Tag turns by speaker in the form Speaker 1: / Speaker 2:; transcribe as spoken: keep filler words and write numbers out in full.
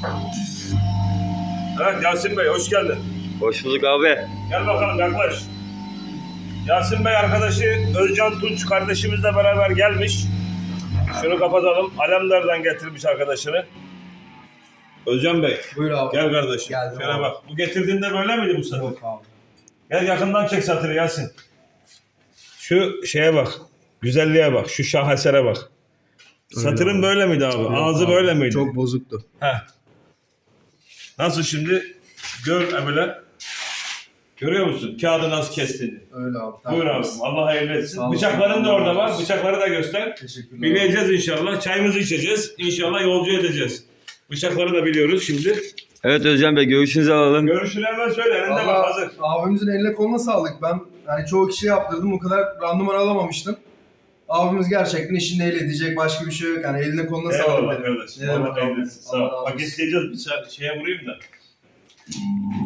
Speaker 1: Evet Yasin Bey hoş geldin.
Speaker 2: Hoş bulduk abi.
Speaker 1: Gel bakalım yaklaş. Yasin Bey arkadaşı Özcan Tunç kardeşimizle beraber gelmiş. Şunu kapatalım. Alemdar'dan getirmiş arkadaşını. Özcan Bey.
Speaker 3: Buyur abi.
Speaker 1: Gel kardeşim.
Speaker 3: Geldim
Speaker 1: Şöyle
Speaker 3: abi.
Speaker 1: bak. Bu getirdiğinde böyle miydi bu satır?
Speaker 3: Yok abi.
Speaker 1: Gel yakından çek satırı Yasin. Şu şeye bak. Güzelliğe bak. Şu şahesere bak. Satırın
Speaker 3: abi.
Speaker 1: böyle miydi abi? Ağzı böyle miydi?
Speaker 3: Çok bozuktu.
Speaker 1: Heh. Nasıl şimdi? Gör Emre. Görüyor musun? Kağıdı nasıl kestiğini.
Speaker 3: Öyle abi.
Speaker 1: Buyur abi.
Speaker 3: Tamam.
Speaker 1: Allah hayırlı etsin.
Speaker 3: Sağ olasın.
Speaker 1: Bıçakların da orada var.
Speaker 3: Sağ
Speaker 1: Bıçakları da göster.
Speaker 3: Teşekkürler.
Speaker 1: Bileceğiz inşallah. Çayımızı içeceğiz. İnşallah yolcu edeceğiz. Bıçakları da biliyoruz şimdi.
Speaker 2: Evet Özcan Bey, görüşünüzü alalım.
Speaker 1: Görüşünü hemen söyle. Elinde bak
Speaker 3: Valla
Speaker 1: hazır.
Speaker 3: abimizin eline koluna sağlık. Ben yani çoğu kişiye yaptırdım. O kadar randıman alamamıştım. Abimiz gerçekten işini el edecek. Başka bir şey yok. Yani eline koluna sağlık.
Speaker 1: Eyvallah
Speaker 3: dedim.
Speaker 1: kardeşim.
Speaker 3: Ne demek
Speaker 1: Allah hayırlı
Speaker 3: abi?
Speaker 1: etsin. Sağ
Speaker 3: Allah
Speaker 1: ol.
Speaker 3: razı
Speaker 1: Bak
Speaker 3: olsun.
Speaker 1: isteyeceğiz bir şeye vurayım da.